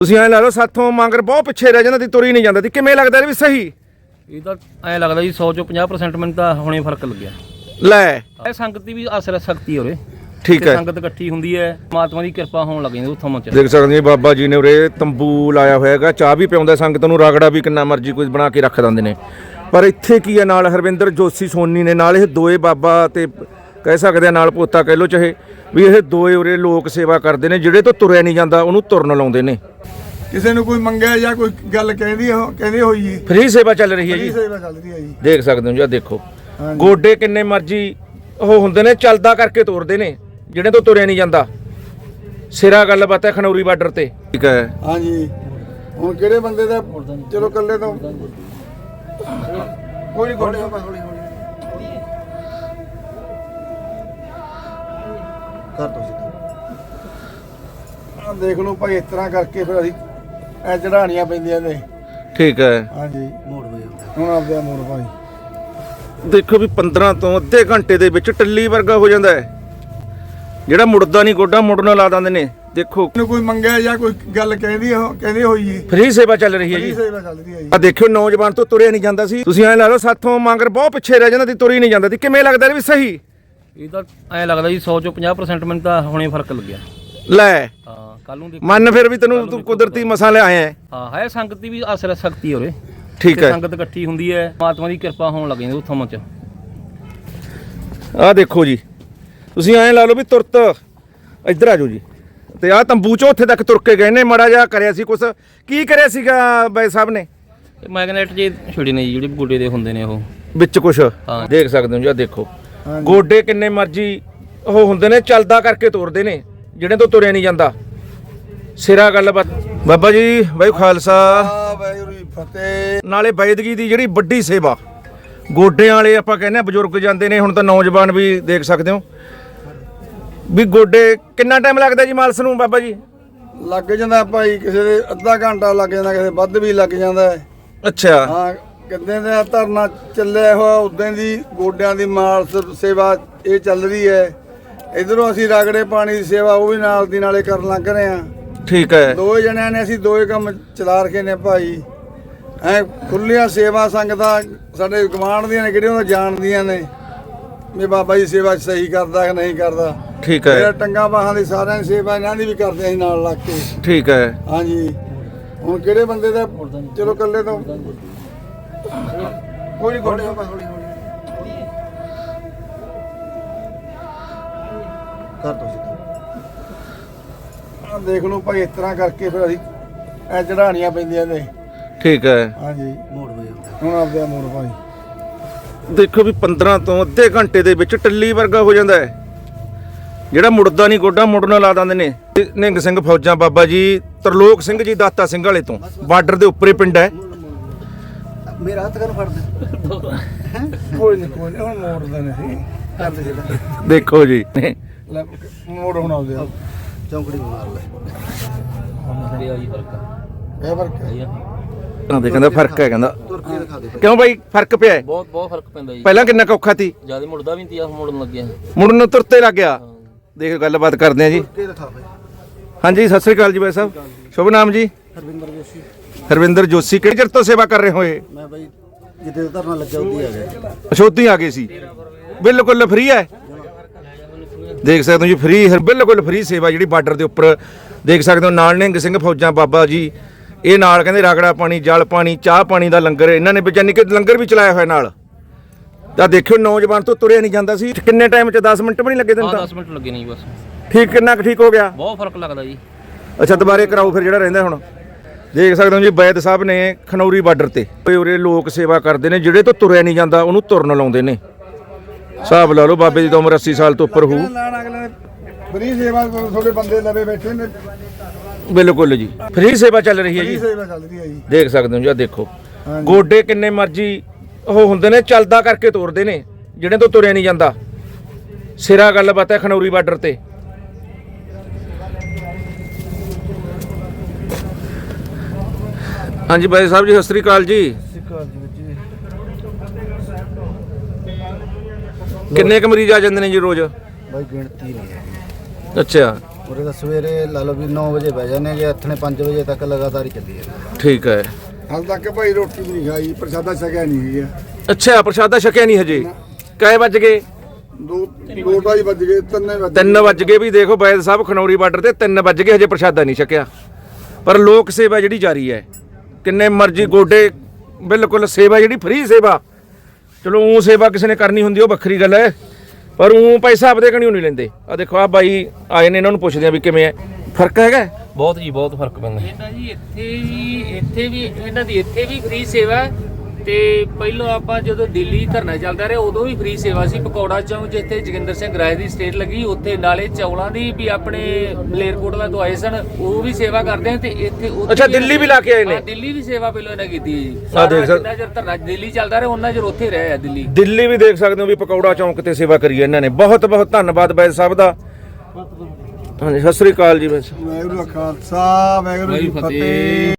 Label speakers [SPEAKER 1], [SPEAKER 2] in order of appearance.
[SPEAKER 1] ਤੁਸੀਂ ਐ ਲਾ ਲਓ ਸਾਥੋਂ ਮੰਗਰ ਬਹੁਤ ਪਿੱਛੇ ਰਹਿ ਜਾਂਦਾ ਤੇ ਤੁਰ ਹੀ ਨਹੀਂ ਜਾਂਦਾ ਤੇ ਕਿਵੇਂ ਲੱਗਦਾ ਵੀ ਸਹੀ
[SPEAKER 2] ਇਹ ਤਾਂ ਐ ਲੱਗਦਾ ਜੀ 100 ਚੋਂ 50% ਮੈਨੂੰ ਤਾਂ ਹੁਣੇ ਫਰਕ ਲੱਗਿਆ
[SPEAKER 1] ਲੈ
[SPEAKER 2] ਇਹ ਸੰਗਤ ਦੀ ਵੀ ਅਸਰ ਸ਼ਕਤੀ ਹੋਰੇ
[SPEAKER 1] ਠੀਕ ਹੈ
[SPEAKER 2] ਸੰਗਤ ਇਕੱਠੀ ਹੁੰਦੀ ਹੈ ਪਰਮਾਤਮਾ ਦੀ ਕਿਰਪਾ ਹੋਣ ਲੱਗ ਜਾਂਦੀ ਉੱਥੋਂ ਚ
[SPEAKER 1] ਦੇਖ ਸਕਦੇ ਜੀ ਬਾਬਾ ਜੀ ਨੇ ਉਰੇ ਤੰਬੂ ਲਾਇਆ ਹੋਇਆ ਹੈਗਾ ਚਾਹ ਵੀ ਪਿਆਉਂਦਾ ਸੰਗਤ ਨੂੰ ਰਗੜਾ ਵੀ ਕਿੰਨਾ ਮਰਜ਼ੀ ਕੋਈ ਬਣਾ ਕੇ ਰੱਖ ਦਿੰਦੇ ਨੇ ਪਰ ਇੱਥੇ ਕੀ ਹੈ ਨਾਲ ਹਰਵਿੰਦਰ ਜੋਸ਼ੀ ਸੋਨੀ ਨੇ ਨਾਲ ਇਹ ਦੋਏ ਬਾਬਾ ਤੇ ਕਹਿ ਸਕਦੇ ਆ ਨਾਲ ਪੋਤਾ ਕਹਿ ਲੋ ਚਾਹੇ ਵੀ ਇਹ ਦੋਏ ਉਰੇ ਲੋਕ ਸੇਵਾ ਕਰਦੇ ਨੇ ਜਿਹੜੇ ਤੋਂ ਤੁਰਿਆ ਨਹੀਂ ਜਾਂਦਾ ਉਹਨੂੰ ਤੁਰਨ ਲਾਉਂਦੇ ਨੇ
[SPEAKER 3] ਕਿਸੇ ਨੂੰ ਕੋਈ ਮੰਗਿਆ ਜਾਂ ਕੋਈ ਗੱਲ ਕਹਿੰਦੀ ਹੋਈ ਜੀ
[SPEAKER 1] ਫ੍ਰੀ ਸੇਵਾ ਚੱਲ ਰਹੀ ਹੈ ਜੀ
[SPEAKER 3] ਸੇਵਾ ਚੱਲ ਰਹੀ ਹੈ ਜੀ
[SPEAKER 1] ਦੇਖ ਸਕਦੇ ਹੋ ਜੀ ਆਹ ਦੇਖੋ ਗੋਡੇ ਕਿੰਨੇ ਮਰਜ਼ੀ ਉਹ ਹੁੰਦੇ ਨੇ ਚੱਲਦਾ ਕਰਕੇ ਤੋਰਦੇ ਨੇ ਜਿਹੜੇ ਤੋਂ ਤੁਰਿਆ ਨਹੀਂ ਜਾਂਦਾ ਸਿਰਾ ਗੱਲਬਾਤ ਹੈ ਖਨੌਰੀ ਬਾਰਡਰ ਤੇ ਠੀਕ ਹੈ
[SPEAKER 3] ਹਾਂਜੀ ਹੁਣ ਕਿਹੜੇ ਬੰਦੇ ਦਾ ਚਲੋ ਇਕੱਲੇ ਤੋਂ ਕੋਈ ਹੌਲੀ ਕਰ ਦੋ ਆ ਦੇਖ ਲਓ ਭਾਈ ਇਸ ਤਰ੍ਹਾਂ ਕਰਕੇ ਫਿਰ ਅਸੀਂ ਐ ਚੜਾਣੀਆਂ ਪੈਂਦੀਆਂ ਨੇ
[SPEAKER 1] ਠੀਕ ਹੈ
[SPEAKER 3] ਹਾਂਜੀ ਮੋੜ ਵੇ ਹੁਣ ਆਪਦਾ ਮੋੜ ਭਾਈ
[SPEAKER 1] ਦੇਖੋ ਵੀ 15 ਤੋਂ ਅੱਧੇ ਘੰਟੇ ਦੇ ਵਿੱਚ ਟੱਲੀ ਵਰਗਾ ਹੋ ਜਾਂਦਾ ਹੈ ਜਿਹੜਾ ਮੁੜਦਾ ਨਹੀਂ ਗੋਡਾ ਮੁੜਨ ਲਾ ਦਿੰਦੇ ਨੇ ਦੇਖੋ
[SPEAKER 3] ਕੋਈ ਮੰਗਿਆ ਜਾਂ ਕੋਈ ਗੱਲ ਕਹਿੰਦੀ ਹੋਈ ਜੀ
[SPEAKER 1] ਫ੍ਰੀ ਸੇਵਾ ਚੱਲ ਰਹੀ ਹੈ ਜੀ
[SPEAKER 3] ਸੇਵਾ ਚੱਲ ਰਹੀ ਹੈ ਜੀ
[SPEAKER 1] ਆ ਦੇਖਿਓ ਨੌਜਵਾਨ ਤੋਂ ਤੁਰਿਆ ਨਹੀਂ ਜਾਂਦਾ ਸੀ ਤੁਸੀਂ ਐ ਲਾ ਲਓ ਸਾਥੋਂ ਮੰਗਰ ਬਹੁਤ ਪਿੱਛੇ ਰਹਿ ਜਾਂਦਾ ਤੇ ਤੁਰ ਹੀ ਨਹੀਂ ਜਾਂਦਾ ਤੇ ਕਿਵੇਂ ਲੱਗਦਾ ਵੀ ਸਹੀ
[SPEAKER 2] ਇਹ ਤਾਂ ਐ ਲੱਗਦਾ ਜੀ 100 ਚੋਂ 50% ਮੈਨੂੰ ਤਾਂ ਹੁਣੇ ਫਰਕ ਲੱਗਿਆ
[SPEAKER 1] ਲੈ
[SPEAKER 2] ਹਾਂ ਕੱਲ ਨੂੰ
[SPEAKER 1] ਮਨ ਫਿਰ ਵੀ ਤੂੰ ਕੁਦਰਤੀ ਮਸਾਂ ਲਿਆਇਆ ਹੈ
[SPEAKER 2] ਹਾਂ ਹੈ ਸੰਗਤ ਦੀ ਵੀ ਅਸਰ ਸ਼ਕਤੀ ਹੋਰੇ
[SPEAKER 1] ਠੀਕ ਹੈ
[SPEAKER 2] ਸੰਗਤ ਇਕੱਠੀ ਹੁੰਦੀ ਹੈ ਪਰਮਾਤਮਾ ਦੀ ਕਿਰਪਾ ਹੋਣ ਲੱਗ ਜਾਂਦੀ ਉੱਥੋਂ ਚ
[SPEAKER 1] ਆਹ ਦੇਖੋ ਜੀ ਤੁਸੀਂ ਐਂ ਲਾ ਲਓ ਵੀ ਤੁਰਤ ਇੱਧਰ ਆ ਜਾਓ ਜੀ ਤੇ ਆਹ ਤੰਬੂ ਚੋਂ ਉੱਥੇ ਤੱਕ ਤੁਰ ਕੇ ਗਏ ਨੇ ਮਾੜਾ ਜਿਹਾ ਕਰਿਆ ਸੀ ਕੁਛ ਕੀ ਕਰਿਆ ਸੀਗਾ ਬਾਈ ਸਾਹਿਬ ਨੇ
[SPEAKER 2] ਮੈਗਨੇਟ ਜੇ ਛੁੜੀ ਨੇ ਜਿਹੜੇ ਗੋਡੇ ਦੇ ਹੁੰਦੇ ਨੇ ਉਹ
[SPEAKER 1] ਵਿੱਚ ਕੁਛ ਦੇਖ ਸਕਦੇ ਹੋ ਜੀ ਆਹ ਦੇਖੋ ਗੋਡੇ ਕਿੰਨੇ ਮਰਜ਼ੀ ਉਹ ਹੁੰਦੇ ਨੇ ਚੱਲਦਾ ਕਰਕੇ ਤੋਰਦੇ ਨੇ ਜਿਹੜੇ ਤੋਂ ਤੁਰਿਆ ਨਹੀਂ ਜਾਂਦਾ ਸਿਰਾ ਗੱਲਬਾਤ ਬਾਬਾ ਜੀ ਬਾਈ ਖਾਲਸਾ
[SPEAKER 3] ਵਾਹਿਗੁਰੂ ਜੀ ਫਤਿਹ
[SPEAKER 1] ਨਾਲੇ ਬੈਦਗੀ ਦੀ ਜਿਹੜੀ ਵੱਡੀ ਸੇਵਾ ਗੋਡਿਆਂ ਵਾਲੇ ਆਪਾਂ ਕਹਿੰਦੇ ਆ ਬਜ਼ੁਰਗ ਜਾਂਦੇ ਨੇ ਹੁਣ ਤਾਂ ਨੌਜਵਾਨ ਵੀ ਦੇਖ ਸਕਦੇ ਹੋ ਵੀ ਗੋਡੇ ਕਿੰਨਾ ਟਾਈਮ ਲੱਗਦਾ ਜੀ ਮਾਲਸ ਨੂੰ ਬਾਬਾ ਜੀ
[SPEAKER 3] ਲੱਗ ਜਾਂਦਾ ਭਾਈ ਕਿਸੇ ਦੇ ਅੱਧਾ ਘੰਟਾ ਲੱਗ ਜਾਂਦਾ ਕਿਸੇ ਵੱਧ ਵੀ ਲੱਗ ਜਾਂਦਾ ਹੈ
[SPEAKER 1] ਅੱਛਾ
[SPEAKER 3] ਹਾਂ ਕਿੰਨੇ ਦਾ ਧਰਨਾ ਚੱਲਿਆ ਹੋਇਆ ਉਦੋਂ ਦੀ ਗੋਡਿਆਂ ਦੀ ਮਾਲਸ ਸੇਵਾ ਇਹ ਚੱਲ ਰਹੀ ਹੈ ਇਧਰੋਂ ਅਸੀਂ ਰਗੜੇ ਪਾਣੀ ਦੀ ਸੇਵਾ ਉਹ ਵੀ ਨਾਲ ਦੀ ਨਾਲੇ ਕਰਨ ਲੱਗ ਰਹੇ ਆ
[SPEAKER 1] ਠੀਕ ਹੈ
[SPEAKER 3] ਦੋਏ ਜਣਿਆਂ ਨੇ ਅਸੀਂ ਦੋਏ ਕੰਮ ਚਲਾ ਰਖੇ ਨੇ ਭਾਈ ਐ ਖੁੱਲੀਆਂ ਸੇਵਾ ਸੰਗਤਾਂ ਸਾਡੇ ਗਵਾਂਢ ਦੀਆਂ ਨੇ ਕਿਹੜੀਆਂ ਉਹ ਜਾਣਦੀਆਂ ਨੇ ਵੀ ਬਾਬਾ ਜੀ ਸੇਵਾ ਸਹੀ ਕਰਦਾ ਕਿ ਨਹੀਂ ਕਰਦਾ
[SPEAKER 1] ਠੀਕ ਹੈ
[SPEAKER 3] ਇਹ ਟੰਗਾ ਬਾਹਾਂ ਦੀ ਸਾਰਿਆਂ ਦੀ ਸੇਵਾ ਇਹਨਾਂ ਦੀ ਵੀ ਕਰਦੇ ਅਸੀਂ ਨਾਲ ਲੱਗ ਕੇ
[SPEAKER 1] ਠੀਕ ਹੈ
[SPEAKER 3] ਹਾਂਜੀ ਹੁਣ ਕਿਹੜੇ ਬੰਦੇ ਦਾ ਚਲੋ ਇਕੱਲੇ ਤੋਂ ਕੋਈ ਹੌਲੀ ਕਰ ਦੋ ਆ ਦੇਖ ਲਓ ਭਾਈ ਇਸ ਤਰ੍ਹਾਂ ਕਰਕੇ ਫਿਰ ਅਸੀਂ ਐ ਚੜਾਣੀਆਂ ਪੈਂਦੀਆਂ ਨੇ
[SPEAKER 1] ਠੀਕ ਹੈ
[SPEAKER 3] ਹਾਂਜੀ ਮੋੜ ਵੇ ਹੁਣ ਆਪਦਾ ਮੋੜ ਭਾਈ
[SPEAKER 1] ਦੇਖੋ ਵੀ 15 ਤੋਂ ਅੱਧੇ ਘੰਟੇ ਦੇ ਵਿੱਚ ਟੱਲੀ ਵਰਗਾ ਹੋ ਜਾਂਦਾ ਹੈ ਜਿਹੜਾ ਮੁੜਦਾ ਨਹੀਂ ਗੋਡਾ ਮੁੜਨ ਲਾ ਦਿੰਦੇ ਨੇ ਨਿੰਗ ਸਿੰਘ ਫੌਜਾਂ ਬਾਬਾ ਜੀ ਤਰਲੋਕ ਸਿੰਘ ਜੀ ਦਾਤਾ ਸਿੰਘ ਵਾਲੇ ਤੋਂ ਬਾਰਡਰ ਦੇ ਉੱਪਰੇ ਪਿੰਡ ਹੈ
[SPEAKER 3] ਮੇਰਾ ਹੱਥ ਕਰ ਫੜ ਦੇ ਕੋਈ ਨਹੀਂ ਹੁਣ ਮੋੜਦੇ ਨੇ ਸੀ ਕਰ ਦੇ ਜਿਹੜਾ
[SPEAKER 1] ਦੇਖੋ ਜੀ
[SPEAKER 3] ਲੈ ਮੋੜ ਹੁਣ ਆਉਂਦੇ ਆ ਚੌਂਕੜੀ ਮਾਰ ਲੈ ਇਹ ਫਰਕ ਹੈ
[SPEAKER 1] ਕਹਿੰਦੇ ਕਹਿੰਦਾ ਫਰਕ ਹੈ ਕਹਿੰਦਾ
[SPEAKER 3] ਤੁਰ ਕੇ ਦਿਖਾ ਦੇ
[SPEAKER 1] ਕਿਉਂ ਬਾਈ ਫਰਕ ਪਿਆ ਹੈ
[SPEAKER 2] ਬਹੁਤ ਫਰਕ ਪੈਂਦਾ ਜੀ
[SPEAKER 1] ਪਹਿਲਾਂ ਕਿੰਨਾ ਔਖਾ ਸੀ
[SPEAKER 2] ਜਿਆਦਾ ਮੁੜਦਾ ਵੀ ਨਹੀਂ ਆ ਮੁੜਨ ਲੱਗਿਆ
[SPEAKER 1] ਮੁੜਨ ਨੂੰ ਤੁਰਤੇ ਲੱਗ ਗਿਆ ਦੇਖ ਗੱਲਬਾਤ ਕਰਦੇ ਆ ਜੀ
[SPEAKER 3] ਕੇ ਦਿਖਾ ਬਈ
[SPEAKER 1] ਹਾਂਜੀ ਸਤਿ ਸ੍ਰੀ ਅਕਾਲ ਜੀ ਬਾਈ ਸਾਹਿਬ ਸ਼ੁਭ ਨਾਮ ਜੀ ਹਰਵਿੰਦਰ ਜੋਸ਼ੀ ਕਿਹੜੇ ਚਿਰ ਤੋਂ ਸੇਵਾ ਕਰ ਰਹੇ ਹੋਏ
[SPEAKER 3] ਮੈਂ ਬਾਈ ਜਿੱਦੇ ਧਰਨਾ ਲੱਗਿਆ ਉੱਦੀ ਆ ਗਿਆ
[SPEAKER 1] ਅਸ਼ੋਧੀ ਆ ਗਏ ਸੀ ਬਿਲਕੁਲ ਫ੍ਰੀ ਹੈ ਦੇਖ ਸਕਦੇ ਹੋ ਜੀ ਫ੍ਰੀ ਬਿਲਕੁਲ ਫ੍ਰੀ ਸੇਵਾ ਜਿਹੜੀ ਬਾਰਡਰ ਦੇ ਉੱਪਰ ਦੇਖ ਸਕਦੇ ਹੋ ਨਾਲ ਨਿੰਗ ਸਿੰਘ ਫੌਜਾਂ ਬਾਬਾ ਜੀ ਇਹ ਨਾਲ ਕਹਿੰਦੇ ਰਗੜਾ ਪਾਣੀ ਜਲ ਪਾਣੀ ਚਾਹ ਪਾਣੀ ਦਾ ਲੰਗਰ ਇਹਨਾਂ ਨੇ ਵਿਚਾਨੀ ਕਿ ਲੰਗਰ ਵੀ ਚਲਾਇਆ ਹੋਇਆ ਨਾਲ ਤਾਂ ਦੇਖਿਓ ਨੌਜਵਾਨ ਤੋਂ ਤੁਰਿਆ ਨਹੀਂ ਜਾਂਦਾ ਸੀ ਕਿੰਨੇ ਟਾਈਮ 'ਚ 10 ਮਿੰਟ ਵੀ ਨਹੀਂ ਲੱਗੇ ਤੈਨੂੰ ਤਾਂ
[SPEAKER 2] 10 ਮਿੰਟ ਲੱਗੇ ਨਹੀਂ ਬਸ
[SPEAKER 1] ਠੀਕ ਕਿੰਨਾ ਕੁ ਠੀਕ ਹੋ ਗਿਆ
[SPEAKER 2] ਬਹੁਤ ਫਰਕ ਲੱਗਦਾ ਜੀ
[SPEAKER 1] ਅੱਛਾ ਦੁਬਾਰੇ ਕਰਾਓ ਫਿਰ ਜਿਹੜਾ ਰਹਿੰਦਾ ਹੁਣ ਦੇਖ ਸਕਦੇ ਹੋ ਜੀ ਬੈਦ ਸਾਹਿਬ ਨੇ ਖਨੌਰੀ ਬਾਰਡਰ ਤੇ ਉਰੇ ਲੋਕ ਸੇਵਾ ਕਰਦੇ ਨੇ ਜਿਹੜੇ ਤੋਂ ਤੁਰਿਆ ਨਹੀਂ ਜਾਂਦਾ ਉਹਨੂੰ ਤੁਰਨ ਲਾਉਂਦੇ ਨੇ ਹਿਸਾਬ ਲਾ ਲਓ ਬਾਬੇ ਦੀ ਤਾਂ ਉਮਰ 80 ਸਾਲ ਤੋਂ ਉੱਪਰ ਹੋਊ
[SPEAKER 3] ਲਾਣ ਅਗਲੇ ਨੇ ਫਰੀ ਸੇਵਾ ਤੁਹਾਡੇ ਬੰਦੇ ਲਵੇ ਬੈਠੇ ਨੇ
[SPEAKER 1] ਬਿਲਕੁਲ ਜੀ ਫ੍ਰੀ ਸੇਵਾ ਚੱਲ ਰਹੀ ਹੈ ਜੀ
[SPEAKER 3] ਸੇਵਾ ਚੱਲ ਰਹੀ ਹੈ ਜੀ
[SPEAKER 1] ਦੇਖ ਸਕਦੇ ਹੋ ਜੀ ਆਹ ਦੇਖੋ ਗੋਡੇ ਕਿੰਨੇ ਮਰਜ਼ੀ ਉਹ ਹੁੰਦੇ ਨੇ ਚੱਲਦਾ ਕਰਕੇ ਤੋਰਦੇ ਨੇ ਜਿਹੜੇ ਤੋਂ ਤੁਰਿਆ ਨਹੀਂ ਜਾਂਦਾ ਸਿਰਾ ਗੱਲਬਾਤ ਹੈ ਖਨੌਰੀ ਬਾਰਡਰ ਤੇ ਹਾਂਜੀ ਬਾਈ ਸਾਹਿਬ ਜੀ ਸਤਿ ਸ੍ਰੀ ਅਕਾਲ ਜੀ ਕਿੰਨੇ ਕੁ ਮਰੀਜ਼ ਆ ਜਾਂਦੇ ਨੇ ਜੀ ਰੋਜ਼
[SPEAKER 3] ਬਾਈ ਗਿਣਤੀ ਨਹੀਂ ਹੈ
[SPEAKER 1] ਅੱਛਾ
[SPEAKER 4] ਉਰੇ ਤਾਂ ਸਵੇਰੇ ਲਾ ਲਓ ਵੀ 9 ਵਜੇ ਬਹਿ ਜਾਂਦੇ ਕਿ ਇੱਥੇ 5 ਵਜੇ ਤੱਕ ਲਗਾਤਾਰ ਹੀ ਚੱਲੀ ਜਾਂਦਾ।
[SPEAKER 1] ਠੀਕ ਹੈ।
[SPEAKER 3] ਹਾਲ ਤੱਕ ਭਾਈ ਰੋਟੀ ਵੀ ਨਹੀਂ ਖਾਈ, ਪ੍ਰਸ਼ਾਦਾ ਛਕਿਆ ਨਹੀਂ ਗਿਆ।
[SPEAKER 1] ਅੱਛਾ ਪ੍ਰਸ਼ਾਦਾ ਛਕਿਆ ਨਹੀਂ ਹਜੇ। ਕੈ ਵੱਜ ਗਏ?
[SPEAKER 3] 2:30 ਵੱਜ ਗਏ,
[SPEAKER 1] 3 ਵੱਜ ਗਏ। ਵੀ ਦੇਖੋ ਬੈਦ ਸਾਹਿਬ ਖਨੌਰੀ ਬਾਰਡਰ ਤੇ 3 ਵੱਜ ਗਏ, ਹਜੇ ਪ੍ਰਸ਼ਾਦਾ ਨਹੀਂ ਛਕਿਆ। ਪਰ ਲੋਕ ਸੇਵਾ ਜਿਹੜੀ ਜਾਰੀ ਹੈ, ਕਿੰਨੇ ਮਰਜ਼ੀ ਗੋਡੇ, ਬਿਲਕੁਲ ਸੇਵਾ ਜਿਹੜੀ ਫ੍ਰੀ ਸੇਵਾ। ਚਲੋ ਉਹ ਸੇਵਾ ਕਿਸੇ ਨੇ ਕਰਨੀ ਹੁੰਦੀ ਉਹ ਵੱਖਰੀ ਗੱਲ ਹੈ, ਪਰ ਉਹ ਪੈਸਾ ਆਪਦੇ ਕਣੀਓ ਨਹੀਂ ਲੈਂਦੇ। ਆ ਦੇਖੋ ਆ ਬਾਈ ਆਏ ਨੇ, ਇਹਨਾਂ ਨੂੰ ਪੁੱਛਦੇ ਆ ਵੀ ਕਿਵੇਂ ਹੈ, ਫਰਕ ਹੈਗਾ?
[SPEAKER 2] ਬਹੁਤ ਜੀ ਬਹੁਤ ਫਰਕ ਪੈਂਦਾ।
[SPEAKER 5] ਇਹਨਾਂ ਜੀ ਇੱਥੇ ਵੀ ਇਹਨਾਂ ਦੀ ਇੱਥੇ ਵੀ ਫ੍ਰੀ ਸੇਵਾ ਹੈ ਤੇ ਪਹਿਲਾਂ ਆਪਾਂ ਜਦੋਂ ਦਿੱਲੀ ਧਰਨਾ ਚੱਲਦਾ ਰਿਹਾ ਉਦੋਂ ਵੀ ਫ੍ਰੀ ਸੇਵਾ ਸੀ। ਪਕੌੜਾ ਚੌਂਕ ਜਿੱਥੇ ਜੋਗਿੰਦਰ ਸਿੰਘ ਰਾਏ ਦੀ ਸਟੇਟ ਲੱਗੀ, ਉੱਥੇ ਨਾਲੇ ਚੌਲਾਂ ਦੀ ਵੀ ਆਪਣੇ ਮਲੇਰਕੋਟਲਾ ਤੋਂ ਆਏ ਸਨ, ਉਹ ਵੀ ਸੇਵਾ ਕਰਦੇ ਆ। ਤੇ ਇੱਥੇ
[SPEAKER 1] ਅੱਛਾ ਦਿੱਲੀ ਵੀ ਲਾ ਕੇ ਆਏ ਨੇ?
[SPEAKER 5] ਦਿੱਲੀ ਵੀ ਸੇਵਾ ਪਹਿਲਾਂ ਇਹਨਾਂ ਕੀਤੀ ਜੀ।
[SPEAKER 1] ਆਹ ਦੇਖ ਸਕਦੇ,
[SPEAKER 5] ਜਿੰਨਾ ਚਿਰ ਧਰਨਾ ਦਿੱਲੀ ਚੱਲਦਾ ਰਿਹਾ ਉਹਨਾਂ ਚਿਰ ਉੱਥੇ ਰਹੇ ਆ ਦਿੱਲੀ।
[SPEAKER 1] ਦਿੱਲੀ ਵੀ ਦੇਖ ਸਕਦੇ ਹੋ ਵੀ ਪਕੌੜਾ ਚੌਂਕ ਤੇ ਸੇਵਾ ਕਰੀ ਹੈ ਇਹਨਾਂ ਨੇ। ਬਹੁਤ ਬਹੁਤ ਧੰਨਵਾਦ ਬੈਦ ਸਾਹਿਬ ਦਾ। ਹਾਂਜੀ ਸਤਿ ਸ੍ਰੀ ਅਕਾਲ ਜੀ।
[SPEAKER 3] ਵਾਹਿਗੁਰੂ ਦਾ ਖਾਲਸਾ, ਵਾਹਿਗੁਰੂ ਜੀ ਕੀ ਫਤਿਹ।